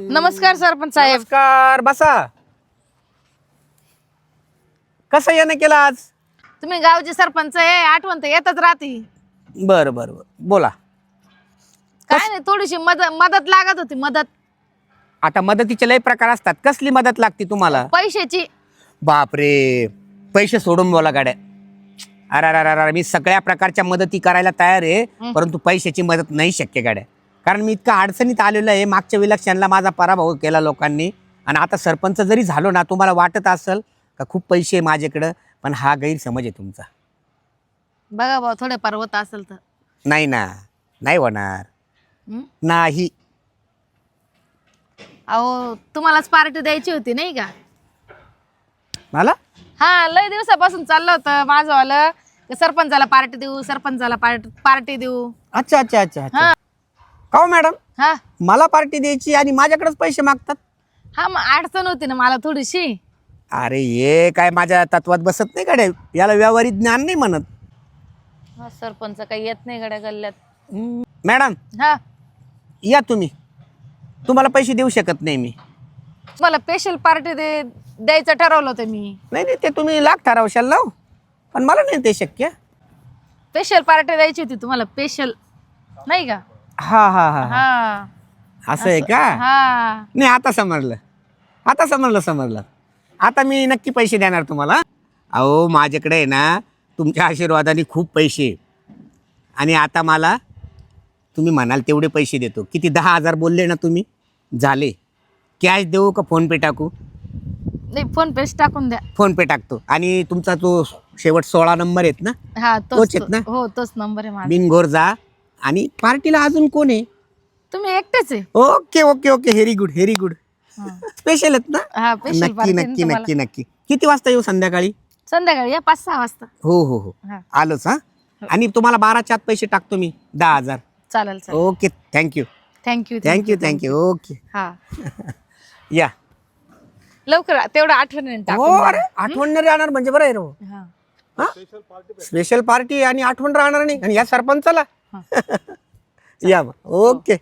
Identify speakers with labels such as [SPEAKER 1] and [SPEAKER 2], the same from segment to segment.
[SPEAKER 1] नमस्कार सरपंच साहेब.
[SPEAKER 2] नमस्कार, बसा. कसं येणं केलं आज?
[SPEAKER 1] तुम्ही गावचे सरपंच आहे, आठवण तर येतच राहते.
[SPEAKER 2] बरं बरं बरं, बोला.
[SPEAKER 1] काय नाही, थोडीशी मदत लागत होती. मदत
[SPEAKER 2] आता मदतीचे लय प्रकार असतात. कसली मदत लागते तुम्हाला?
[SPEAKER 1] पैशाची.
[SPEAKER 2] बापरे, पैसे सोडून बोला गाड्या. अरे अरे अरे, मी सगळ्या प्रकारच्या मदती करायला तयार आहे, परंतु पैशाची मदत नाही शक्य गाड्या. कारण मी इतका अडचणीत आलेलो आहे. मागच्या विलक्षणला माझा पराभव केला लोकांनी, आणि आता सरपंच जरी झालो ना, तुम्हाला वाटत असेल का खूप पैसे आहे माझ्याकडं, पण हा गैरसमज आहे तुमचा.
[SPEAKER 1] बघा भाऊ, थोडे पर्वत असेल तर.
[SPEAKER 2] नाही ना, नाही होणार. नाही.
[SPEAKER 1] अहो, तुम्हालाच पार्टी द्यायची होती नाही का?
[SPEAKER 2] मला
[SPEAKER 1] हा, लय दिवसापासून चाललं होतं माझं वालं, सरपंचाला पार्टी देऊ, सरपंचाला पार्टी देऊ.
[SPEAKER 2] अच्छा अच्छा अच्छा अच्छा.
[SPEAKER 1] हा
[SPEAKER 2] का हो मॅडम,
[SPEAKER 1] हा
[SPEAKER 2] मला पार्टी द्यायची आणि माझ्याकडेच पैसे मागतात?
[SPEAKER 1] हा, मग अडचण होती ना मला थोडीशी.
[SPEAKER 2] अरे हे काय माझ्या तत्वात बसत नाही गाड्या. याला व्यावहारिक ज्ञान नाही म्हणत.
[SPEAKER 1] हा, सरपंच काही येत नाही गड्या गल्ल्यात.
[SPEAKER 2] मॅडम
[SPEAKER 1] हा,
[SPEAKER 2] या तुम्ही. तुम्हाला पैसे देऊ शकत नाही मी.
[SPEAKER 1] तुम्हाला स्पेशल पार्टी द्यायचं ठरवलं होतं मी.
[SPEAKER 2] नाही नाही, ते तुम्ही लाख ठरवशाल ना, पण मला नाही ते शक्य.
[SPEAKER 1] स्पेशल पार्टी द्यायची होती तुम्हाला, स्पेशल नाही का?
[SPEAKER 2] हा हा हा.
[SPEAKER 1] हा,
[SPEAKER 2] असं आहे का?
[SPEAKER 1] हा.
[SPEAKER 2] नाही, आता समजलं. आता समजलं. आता मी नक्की पैसे देणार तुम्हाला. अहो, माझ्याकडे आहे ना तुमच्या आशीर्वादाने खूप पैसे, आणि आता मला तुम्ही म्हणाल तेवढे पैसे देतो. किती? 10,000 बोलले ना तुम्ही, झाले. कॅश देऊ का फोनपे टाकू?
[SPEAKER 1] नाही, फोन पेच टाकून द्या.
[SPEAKER 2] फोनपे टाकतो. आणि तुमचा तो शेवट 16 नंबर आहेत ना,
[SPEAKER 1] हा,
[SPEAKER 2] तोच आहेत ना?
[SPEAKER 1] हो, तोच नंबर आहे माझा.
[SPEAKER 2] बिनघोर जा. आणि पार्टीला अजून कोण आहे?
[SPEAKER 1] तुम्ही एकटेच आहे?
[SPEAKER 2] Okay okay okay, very good. Special आहेत ना?
[SPEAKER 1] हा, स्पेशल
[SPEAKER 2] नक्की
[SPEAKER 1] पार्टी
[SPEAKER 2] नक्की नक्की नक्की. किती वाजता येऊ संध्याकाळी?
[SPEAKER 1] संध्याकाळी या 5-6 वाजता.
[SPEAKER 2] हो हो हो,
[SPEAKER 1] हा.
[SPEAKER 2] आलोच. हा, आणि तुम्हाला 12च्या आत पैसे टाकतो मी, 10,000.
[SPEAKER 1] चालेल.
[SPEAKER 2] Okay, thank you.
[SPEAKER 1] थँक्यू.
[SPEAKER 2] ओके.
[SPEAKER 1] हा,
[SPEAKER 2] या.
[SPEAKER 1] लवकर तेवढं आठवणीने
[SPEAKER 2] हो,
[SPEAKER 1] टाकून
[SPEAKER 2] अरे आठवण नाही राहणार म्हणजे बरं आहे रो.
[SPEAKER 1] द्या. हा.
[SPEAKER 2] स्पेशल पार्टी आणि आठवण राहणार नाही, आणि या सरपंचाला. या मग. ओके.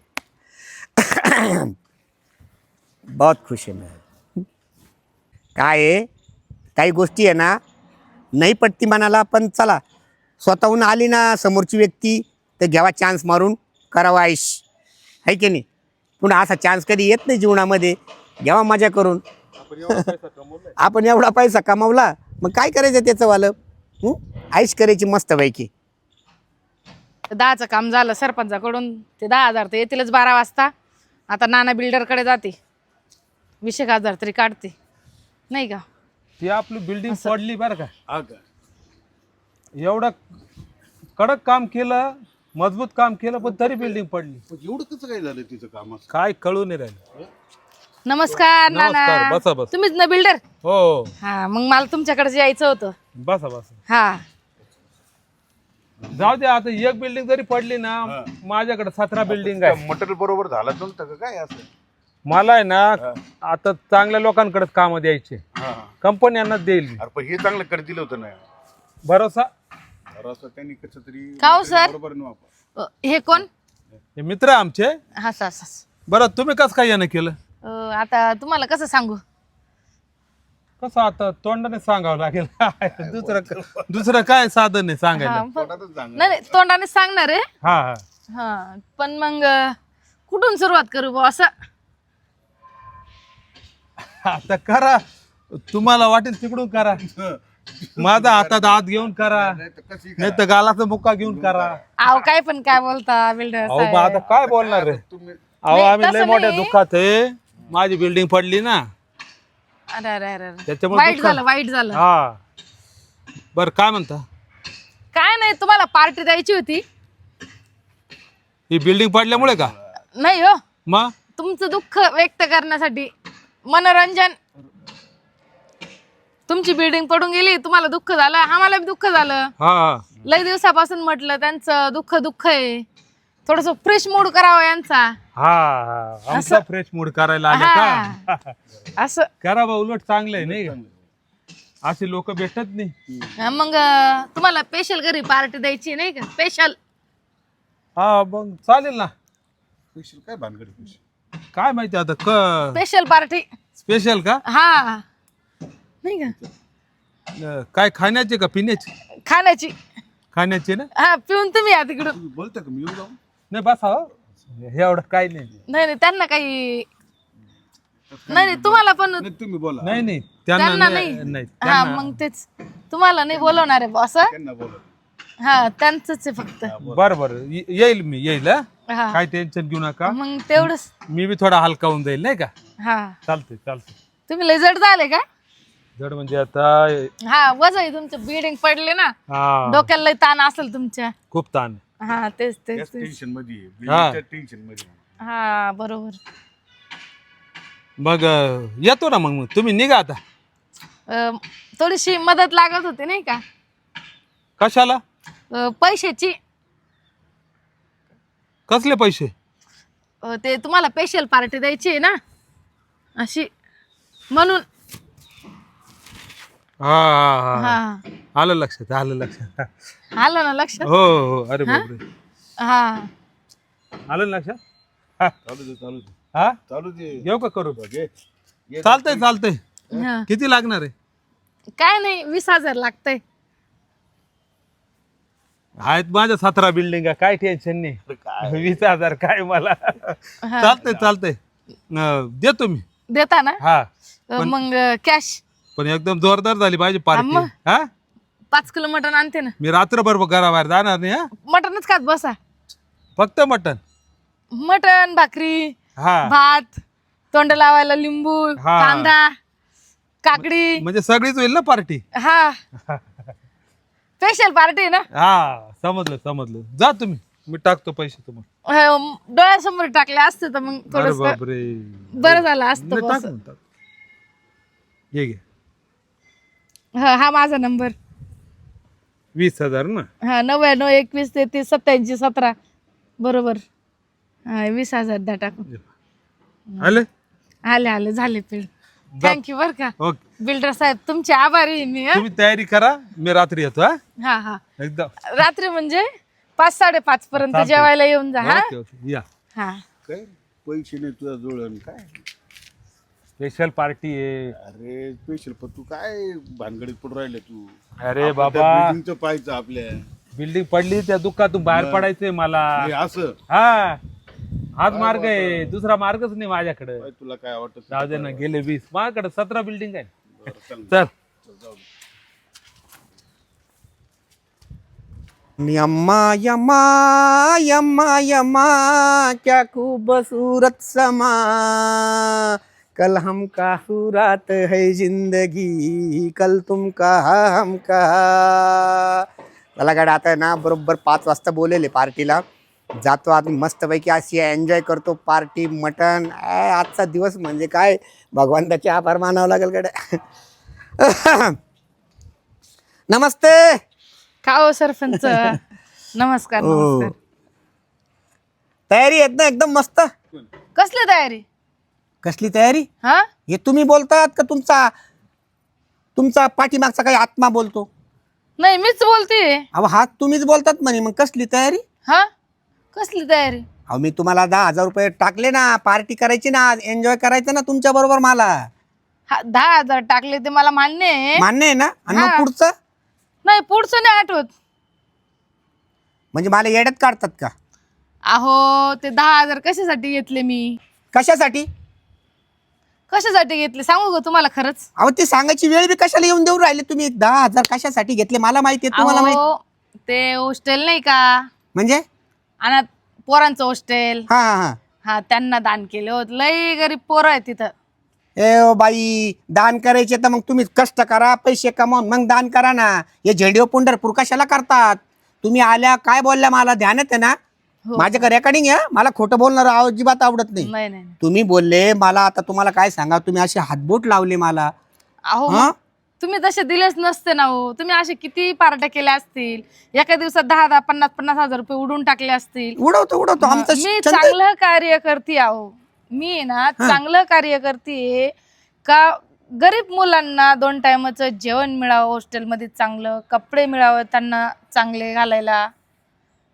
[SPEAKER 2] बहुत खुश आहे मैं. काय आहे, काही गोष्टी आहे ना नाही पटती मनाला, पण चला, स्वतःहून आली ना समोरची व्यक्ती तर घ्यावा चान्स मारून, करावा आयुष, आहे की नाही? पुन्हा असा चान्स कधी येत नाही जीवनामध्ये. घ्यावा मजा करून. आपण एवढा पैसा कमावला, मग काय करायचं त्याचं वालं? आयुष करायची मस्तपैकी.
[SPEAKER 1] 10चं काम झालं सरपंचाकडून. ते 10,000 तर येतीलच 12 वाजता. आता नाना बिल्डरकडे जाते, 20,000 तरी काढते नाही का?
[SPEAKER 3] ती आपली बिल्डिंग पडली बरं का. एवढं कडक काम केलं, मजबूत काम केलं, पण तरी बिल्डिंग पडली.
[SPEAKER 4] एवढं कसं काय झालं तिचं काम?
[SPEAKER 3] काय कळू नाही राहिलं.
[SPEAKER 1] नमस्कार
[SPEAKER 3] नमस्कार,
[SPEAKER 1] नाना.
[SPEAKER 3] बसा बसा.
[SPEAKER 1] तुम्हीच ना बिल्डर?
[SPEAKER 3] हो,
[SPEAKER 1] हा, मग मला तुमच्याकडे यायचं होतं.
[SPEAKER 3] बसा.
[SPEAKER 1] हा,
[SPEAKER 3] जाऊ दे, आता एक बिल्डिंग जरी पडली ना, माझ्याकडे 17 बिल्डिंग आहे.
[SPEAKER 4] मटेरियल बरोबर झालं नव्हतं का काय असं?
[SPEAKER 3] मला आहे ना आता चांगल्या लोकांकडे काम द्यायचे, कंपन्यांना देईल मी.
[SPEAKER 4] अरे पण हे चांगलं कर दिलं होतं ना.
[SPEAKER 3] भरोसा.
[SPEAKER 4] अरे असं त्यांनी कसं तरी
[SPEAKER 1] का हो सर?
[SPEAKER 4] बरोबर नाही वापर.
[SPEAKER 1] हे कोण?
[SPEAKER 3] हे मित्र आहे आमचे.
[SPEAKER 1] हा,
[SPEAKER 3] बरं, तुम्ही कसं काय यानं केलं?
[SPEAKER 1] आता तुम्हाला कसं सांगू?
[SPEAKER 3] कसं आता तोंडाने सांगावं लागेल. दुसरं काय साधन आहे सांगायला?
[SPEAKER 1] नाही, तोंडाने सांगणार आहे.
[SPEAKER 3] हा,
[SPEAKER 1] हा, पण मग कुठून सुरुवात करू बुवा असं?
[SPEAKER 3] आता करा, तुम्हाला वाटेल तिकडून करा. माझा हातात हात घेऊन करा, नाही तर गालाचा मुक्का घेऊन करा.
[SPEAKER 1] अहो, काय पण काय बोलता बिल्डर
[SPEAKER 3] अहो, मग आता काय बोलणार रे? अहो, आम्ही लय मोठ्या दुःखात आहे. माझी बिल्डिंग पडली ना,
[SPEAKER 1] अरे
[SPEAKER 3] त्याच्यामुळे
[SPEAKER 1] वाईट झालं.
[SPEAKER 3] हा, बर, काय म्हणता?
[SPEAKER 1] काय नाही, तुम्हाला पार्टी द्यायची होती.
[SPEAKER 3] ही बिल्डिंग पडल्यामुळे का?
[SPEAKER 1] नाही हो,
[SPEAKER 3] मग
[SPEAKER 1] तुमचं दुःख व्यक्त करण्यासाठी, मनोरंजन. तुमची बिल्डिंग पडून गेली, तुम्हाला दुःख झालं, आम्हाला बी दुःख झालं.
[SPEAKER 3] हा,
[SPEAKER 1] लय दिवसापासून म्हटलं त्यांचं दुःख आहे, थोडस फ्रेश मूड करावा यांचा.
[SPEAKER 3] आमचा फ्रेश मूड करायला आला का?
[SPEAKER 1] असं
[SPEAKER 3] करा बा, उलट चांगलं आहे नाही का? असे लोक भेटत नाही.
[SPEAKER 1] मग तुम्हाला स्पेशल घरी पार्टी द्यायची नाही का? स्पेशल.
[SPEAKER 3] हा, मग चालेल ना.
[SPEAKER 4] पैसे काय भानगड पैसे?
[SPEAKER 3] काय माहिती आता
[SPEAKER 1] स्पेशल पार्टी.
[SPEAKER 3] स्पेशल का?
[SPEAKER 1] हा नाही का?
[SPEAKER 3] काय खाण्याचे का पिण्याचे?
[SPEAKER 1] खाण्याची.
[SPEAKER 3] खाण्याचे ना?
[SPEAKER 1] हा पिऊन तुम्ही या तिकडून.
[SPEAKER 4] तुम्ही बोलता का मी येऊ जाऊ?
[SPEAKER 3] नाही बसा हो, हे एवढं काही नाही.
[SPEAKER 1] नाही नाही त्यांना काही नाही नाही तुम्हाला पण
[SPEAKER 4] नाही तुम्ही बोला.
[SPEAKER 3] नाही नाही
[SPEAKER 1] त्यांना
[SPEAKER 3] त्यांना
[SPEAKER 1] नाही.
[SPEAKER 3] नाही
[SPEAKER 1] हा
[SPEAKER 3] त्यांना-
[SPEAKER 1] मग तेच तुम्हाला नाही बोलवणार आहे बॉस.
[SPEAKER 4] त्यांना बोला.
[SPEAKER 1] हा त्यांचंच आहे फक्त.
[SPEAKER 3] बरं बरं येईल मी येईल हा.
[SPEAKER 1] हा
[SPEAKER 3] काय टेन्शन घेऊ नका.
[SPEAKER 1] मग तेवढंच.
[SPEAKER 3] मी बी थोडा हलका होऊन जाईल नाही का?
[SPEAKER 1] हा
[SPEAKER 3] चालतंय चालतंय.
[SPEAKER 1] तुम्ही लय जड झाले का?
[SPEAKER 3] जड म्हणजे आता
[SPEAKER 1] हा वजन आहे तुमचं बिल्डिंग पडले ना
[SPEAKER 3] हा
[SPEAKER 1] डोक्याला लय ताण असेल तुमच्या.
[SPEAKER 3] खूप ताण.
[SPEAKER 1] हा तेच तेच तेच.
[SPEAKER 4] टेन्शन मध्ये आहे.
[SPEAKER 3] हा.
[SPEAKER 4] बिल्डिंगच्या टेन्शन मध्ये आहे.
[SPEAKER 1] हा बरोबर.
[SPEAKER 3] मग येतो ना मग तुम्ही निघा आता.
[SPEAKER 1] थोडीशी मदत लागत होती नाही का?
[SPEAKER 3] कशाला?
[SPEAKER 1] पैशाची.
[SPEAKER 3] कसले पैसे?
[SPEAKER 1] ते तुम्हाला स्पेशल पार्टी द्यायची आहे ना अशी म्हणून.
[SPEAKER 3] हा हा हा
[SPEAKER 1] हा
[SPEAKER 3] आलं लक्षात आलं लक्षात.
[SPEAKER 1] आलं ना लक्षात.
[SPEAKER 3] हो हो अरे बापरे
[SPEAKER 1] हा
[SPEAKER 3] आलं ना लक्षात. हा
[SPEAKER 4] चालू दे चालू दे
[SPEAKER 3] हा
[SPEAKER 4] चालू दे.
[SPEAKER 3] येऊ का करू?
[SPEAKER 4] घे. ये.
[SPEAKER 3] चालतंय चालतंय.
[SPEAKER 1] हा.
[SPEAKER 3] किती लागणार आहे?
[SPEAKER 1] काय नाही 20,000 लागतंय.
[SPEAKER 3] आहेत माझ्या 17 बिल्डिंग काय टेन्शन नाही. 20,000 काय मला. चालतंय चालतंय देतो मी.
[SPEAKER 1] देता ना?
[SPEAKER 3] हा
[SPEAKER 1] मग कॅश.
[SPEAKER 3] पण एकदम जोरदार झाली पाहिजे पार्टी.
[SPEAKER 1] मग?
[SPEAKER 3] हा
[SPEAKER 1] 5 किलो मटण आणते ना.
[SPEAKER 3] मी रात्रभर घराबाहेर जाणार नाही. हा
[SPEAKER 1] मटणच खात बसा.
[SPEAKER 3] फक्त मटन.
[SPEAKER 1] मटण भाकरी
[SPEAKER 3] हा
[SPEAKER 1] भात तोंड लावायला लिंबू
[SPEAKER 3] हा.
[SPEAKER 1] कांदा काकडी.
[SPEAKER 3] म्हणजे सगळीच होईल ना पार्टी.
[SPEAKER 1] हा स्पेशल पार्टी ना.
[SPEAKER 3] हा समजलं समजलं. जा तुम्ही मी टाकतो पैसे तुम्हाला.
[SPEAKER 1] डोळ्यासमोर टाकले असते तर मग
[SPEAKER 3] अरे
[SPEAKER 1] थोडस
[SPEAKER 3] बापरे.
[SPEAKER 1] बरं झालं असतं
[SPEAKER 3] नाही,
[SPEAKER 1] बॉस.
[SPEAKER 3] टाक ना, टाक. हे घे
[SPEAKER 1] हा माझा नंबर.
[SPEAKER 3] 20,000 ना.
[SPEAKER 1] हा 99 21 33 87 17 बरोबर. हा 20,000 द्या टाकून.
[SPEAKER 3] आले
[SPEAKER 1] आले आले झाले पेड. थँक्यू बर का
[SPEAKER 3] ओके.
[SPEAKER 1] बिल्डर साहेब तुमचे आभारी आहे मी.
[SPEAKER 3] तुम्ही तयारी करा मी रात्री येतो. हा
[SPEAKER 1] हा हा
[SPEAKER 3] एकदम
[SPEAKER 1] रात्री म्हणजे 5-5:30 पर्यंत
[SPEAKER 3] चालतंय.
[SPEAKER 1] जेवायला येऊन जा. हा
[SPEAKER 3] ओके ओके या.
[SPEAKER 1] हा
[SPEAKER 4] काय पैसे नाही तुझ्या जुळण काय.
[SPEAKER 3] स्पेशल पार्टी आहे.
[SPEAKER 4] अरे स्पेशल पण तू काय भानगडीत पडून राहिले तू.
[SPEAKER 3] अरे बाबा
[SPEAKER 4] बिल्डिंगचं पाहायचं आपल्या.
[SPEAKER 3] बिल्डिंग पडली त्या दुःखातून बाहेर पडायचंय मला.
[SPEAKER 4] हे असं
[SPEAKER 3] हा हाच मार्ग आहे. दुसरा मार्गच नाही माझ्याकडे.
[SPEAKER 4] काय तुला काय वाटत.
[SPEAKER 3] जाऊ दे ना गेले 20 माझ्याकडे 17 बिल्डिंग आहे.
[SPEAKER 4] चल
[SPEAKER 3] चल
[SPEAKER 2] यम्मा यम्मा यम्मा यम्मा क्या खूबसूरत समा कल हम का रात है जिंदगी कल तुम का हम का. मला गाडी आता आहे ना बरोबर 5 वाजता बोलेले पार्टीला जातो. आम्ही मस्तपैकी अशी एन्जॉय करतो पार्टी मटण. आजचा दिवस म्हणजे काय भगवंताचे आभार मानावं लागेल गड्या. नमस्ते.
[SPEAKER 1] का हो सरपंच. नमस्कार नमस्कार.
[SPEAKER 2] तयारी आहेत ना एकदम मस्त.
[SPEAKER 1] कसली तयारी?
[SPEAKER 2] कसली तयारी?
[SPEAKER 1] हा
[SPEAKER 2] हे तुम्ही बोलतात का तुमचा पाठीमागचा काही आत्मा बोलतो?
[SPEAKER 1] नाही मीच बोलते.
[SPEAKER 2] अहो हा तुम्हीच बोलतात म्हणे. मग कसली तयारी?
[SPEAKER 1] हा कसली तयारी?
[SPEAKER 2] अहो मी तुम्हाला 10,000 रुपये टाकले ना. पार्टी करायची ना एन्जॉय करायचं ना तुमच्या बरोबर मला.
[SPEAKER 1] हा 10,000 टाकले ते मला मान्य आहे.
[SPEAKER 2] मान्य आहे ना? आणि मग
[SPEAKER 1] हा.
[SPEAKER 2] पुढचं
[SPEAKER 1] नाही पुढचं नाही आठवत.
[SPEAKER 2] म्हणजे मला येड्यात काढतात का?
[SPEAKER 1] अहो ते 10,000 कशासाठी घेतले मी?
[SPEAKER 2] कशासाठी?
[SPEAKER 1] कशासाठी घेतले सांगू का तुम्हाला खरंच?
[SPEAKER 2] अहो ते सांगायची वेळ बी कशाला येऊन देऊ राहिले तुम्ही? 10,000 कशासाठी घेतले मला माहिती आहे तुम्हाला माहिती
[SPEAKER 1] अहो ते हॉस्टेल नाही का
[SPEAKER 2] म्हणजे?
[SPEAKER 1] अनाथ पोरांचं हॉस्टेल.
[SPEAKER 2] हा हा हा.
[SPEAKER 1] हा त्यांना दान केले होत. लई गरीब पोरं आहे तिथं.
[SPEAKER 2] ए ओ बाई दान करायचे तर मग तुम्ही कष्ट करा पैसे कमावून मग दान करा ना. हे झेंडीव पंढरपूर कशाला करतात? तुम्ही आल्या काय बोलल्या मला ध्यानात आहे ना.
[SPEAKER 1] हो.
[SPEAKER 2] माझ्याकडे रेकॉर्डिंग आहे. मला खोटं बोलणार अजिबात आवडत नाही.
[SPEAKER 1] नाही नाही
[SPEAKER 2] तुम्ही बोलले मला आता तुम्हाला काय सांगा तुम्ही असे हातबोट लावले मला.
[SPEAKER 1] अहो
[SPEAKER 2] हा?
[SPEAKER 1] तुम्ही तसे दिलेच नसते ना हो. तुम्ही असे किती पार्ट्या केल्या असतील. एका दिवसात 10-10 50,000 रुपये उडून टाकले असतील.
[SPEAKER 2] उडवतो आमचं
[SPEAKER 1] मी
[SPEAKER 2] छंद आहे.
[SPEAKER 1] चांगलं कार्य करते आहो. मी आहे ना चांगलं कार्य करते का गरीब मुलांना 2 टायमाचं जेवण मिळावं हॉस्टेलमध्ये चांगलं कपडे मिळावं त्यांना चांगले घालायला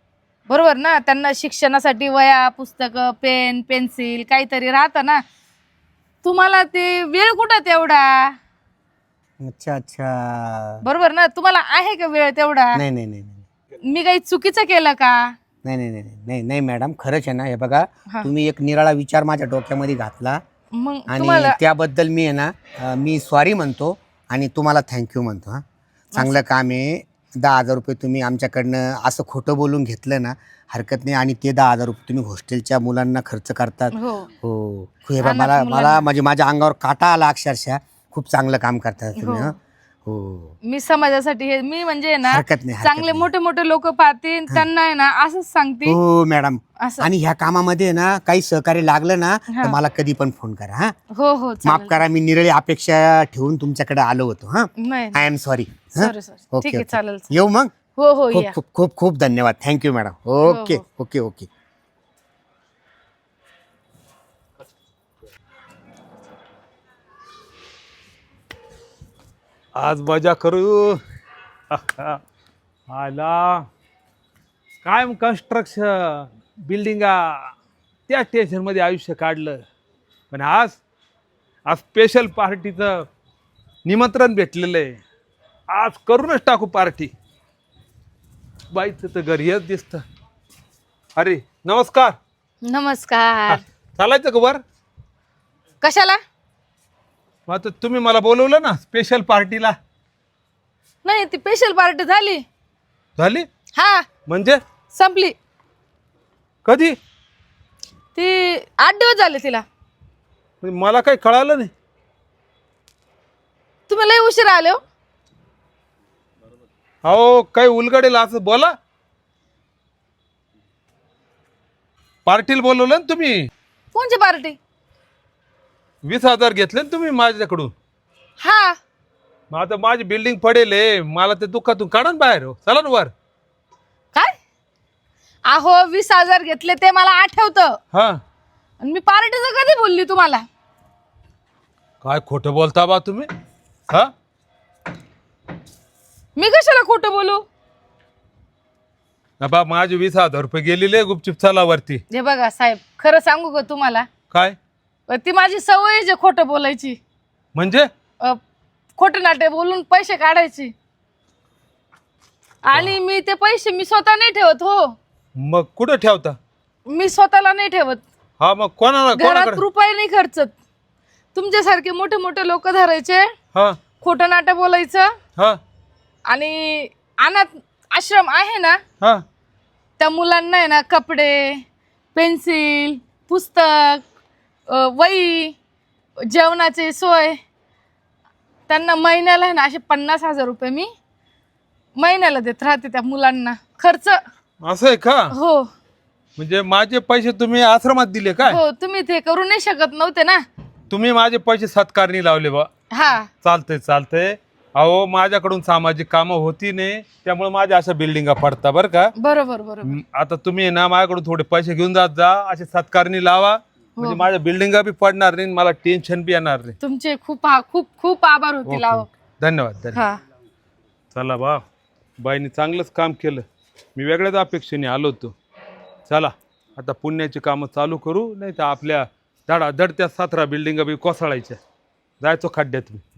[SPEAKER 1] बरोबर ना, त्यांना शिक्षणासाठी वया पुस्तकं पेन पेन्सिल काहीतरी राहतं ना. तुम्हाला ते वेळ कुठं तेवढा?
[SPEAKER 2] अच्छा अच्छा.
[SPEAKER 1] बरोबर ना, तुम्हाला आहे का वेळ तेवढा?
[SPEAKER 2] नाही नाही नाही नाही
[SPEAKER 1] मी काही चुकीचं केलं का?
[SPEAKER 2] नाही नाही नाही नाही नाही मॅडम, खरंच आहे ना. हे बघा,
[SPEAKER 1] हा.
[SPEAKER 2] तुम्ही एक निराळा विचार माझ्या डोक्यामध्ये घातला
[SPEAKER 1] मग
[SPEAKER 2] आणि
[SPEAKER 1] तुम्हाला
[SPEAKER 2] त्याबद्दल मी आहे ना मी सॉरी म्हणतो आणि तुम्हाला थँक्यू म्हणतो. हां, चांगलं काम आहे. 10,000 रुपये तुम्ही आमच्याकडनं असं खोटं बोलून घेतलं ना, हरकत नाही. आणि ते 10,000 रुपये तुम्ही हॉस्टेलच्या मुलांना खर्च करतात.
[SPEAKER 1] हो
[SPEAKER 2] हो, हे बघा,
[SPEAKER 1] अनाथ
[SPEAKER 2] मला
[SPEAKER 1] मुलांना.
[SPEAKER 2] मला म्हणजे माझ्या अंगावर काटा आला अक्षरशः. खूप चांगलं काम करतात तुम्ही.
[SPEAKER 1] हो.
[SPEAKER 2] हं. हो,
[SPEAKER 1] मी समाजासाठी हे मी म्हणजे ना
[SPEAKER 2] हरकत नाही, हरकत
[SPEAKER 1] चांगले
[SPEAKER 2] नाही.
[SPEAKER 1] मोठे मोठे लोक पाहतील त्यांना आहे ना असंच सांगते
[SPEAKER 2] हो मॅडम.
[SPEAKER 1] असं.
[SPEAKER 2] आणि ह्या कामामध्ये ना काही सहकार्य लागलं ना तर
[SPEAKER 1] हा.
[SPEAKER 2] मला कधी पण फोन करा. हा,
[SPEAKER 1] हो हो
[SPEAKER 2] माफ
[SPEAKER 1] चालेल.
[SPEAKER 2] करा, मी निरळी अपेक्षा ठेवून तुमच्याकडे आलो होतो. हा,
[SPEAKER 1] नाही
[SPEAKER 2] I am sorry.
[SPEAKER 1] Sorry sorry ठीक आहे चालेल.
[SPEAKER 2] येऊ मग.
[SPEAKER 1] हो हो
[SPEAKER 2] खूप
[SPEAKER 1] या.
[SPEAKER 2] खूप खूप खूप धन्यवाद. Thank you madam. ओके
[SPEAKER 1] हो.
[SPEAKER 2] Okay okay.
[SPEAKER 3] आज मजा करू. आला काय कन्स्ट्रक्शन बिल्डिंगा त्या टेन्शनमध्ये आयुष्य काढलं. पण आज आज स्पेशल पार्टीचं निमंत्रण भेटलेलं आहे. आज करूनच टाकू पार्टी. बाईचं तर घरी येत दिसतं. अरे नमस्कार.
[SPEAKER 1] नमस्कार.
[SPEAKER 3] चालायचं का वर?
[SPEAKER 1] कशाला?
[SPEAKER 3] मग आता तुम्ही मला बोलवलं ना स्पेशल पार्टीला.
[SPEAKER 1] नाही ती स्पेशल पार्टी झाली.
[SPEAKER 3] झाली
[SPEAKER 1] हा
[SPEAKER 3] म्हणजे
[SPEAKER 1] संपली.
[SPEAKER 3] कधी?
[SPEAKER 1] ती 8 दिवस झाले तिला.
[SPEAKER 3] म्हणजे मला काही कळालं नाही.
[SPEAKER 1] तुम्ही लय उशिरा आले हो.
[SPEAKER 3] अहो काही उलगडेल असं बोला. पार्टीला बोलवलं ना तुम्ही.
[SPEAKER 1] कोणची पार्टी?
[SPEAKER 3] 20,000 घेतले ना तुम्ही माझ्याकडून.
[SPEAKER 1] हा
[SPEAKER 3] मग आता माझी बिल्डिंग पडेल आहे. मला ते दुःखातून काढा ना बाहेर. हो चला ना वर.
[SPEAKER 1] काय? अहो 20,000 घेतले ते मला आठवतं.
[SPEAKER 3] हा
[SPEAKER 1] आणि मी पार्टीचं कधी बोलली तुम्हाला?
[SPEAKER 3] काय खोटं बोलता बा तुम्ही. हा
[SPEAKER 1] मी कशाला खोटं बोलू?
[SPEAKER 3] ना बा माझे 20,000 रुपये गेलेले गुपचूप चला वरती.
[SPEAKER 1] हे बघा साहेब खरं सांगू का तुम्हाला?
[SPEAKER 3] काय
[SPEAKER 1] ती माझी सवय आहे खोटं बोलायची.
[SPEAKER 3] म्हणजे?
[SPEAKER 1] खोटं नाटे बोलून पैसे काढायचे. आणि मी ते पैसे मी स्वतः नाही ठेवत. हो
[SPEAKER 3] मग कुठं ठेवता?
[SPEAKER 1] मी स्वतःला नाही ठेवत.
[SPEAKER 3] हा मग कोणाला
[SPEAKER 1] घरात
[SPEAKER 3] कोणाकडे?
[SPEAKER 1] रुपये नाही खर्चत. तुमच्यासारखे मोठे मोठे लोक धरायचे,
[SPEAKER 3] हा
[SPEAKER 1] खोटं नाटं बोलायचं.
[SPEAKER 3] हा
[SPEAKER 1] आणि अनाथ आश्रम आहे ना
[SPEAKER 3] हा
[SPEAKER 1] त्या मुलांना आहे ना कपडे पेन्सिल पुस्तक वही जेवणाची सोय त्यांना महिन्याला आहे ना असे 50,000 रुपये मी महिन्याला देत राहते त्या मुलांना खर्च.
[SPEAKER 3] असं आहे का?
[SPEAKER 1] हो
[SPEAKER 3] म्हणजे माझे पैसे तुम्ही आश्रमात दिले काय?
[SPEAKER 1] हो तुम्ही ते करू नाही शकत नव्हते ना.
[SPEAKER 3] तुम्ही माझे पैसे सत्कारणी लावले बा.
[SPEAKER 1] हा
[SPEAKER 3] चालतंय चालतंय. अहो माझ्याकडून सामाजिक कामं होती नाही त्यामुळे माझ्या अशा बिल्डिंगा पडता बरं का.
[SPEAKER 1] बरोबर बरोबर.
[SPEAKER 3] आता तुम्ही ना माझ्याकडून थोडे पैसे घेऊन जात जा. असे सत्कारणी लावा म्हणजे माझ्या बिल्डिंगा बी पडणार नाही मला टेन्शन बी येणार नाही.
[SPEAKER 1] तुमचे खूप खूप खूप आभार होतील. अहो
[SPEAKER 3] धन्यवाद धन्यवाद.
[SPEAKER 1] हा
[SPEAKER 3] चला बा बाईने चांगलंच काम केलं. मी वेगळ्याच अपेक्षेने आलो होतो. चला आता पुण्याची कामं चालू करू नाही तर आपल्या धडाधड त्या 17 बिल्डिंगा बी कोसळायच्या. जायचो खड्ड्यात मी.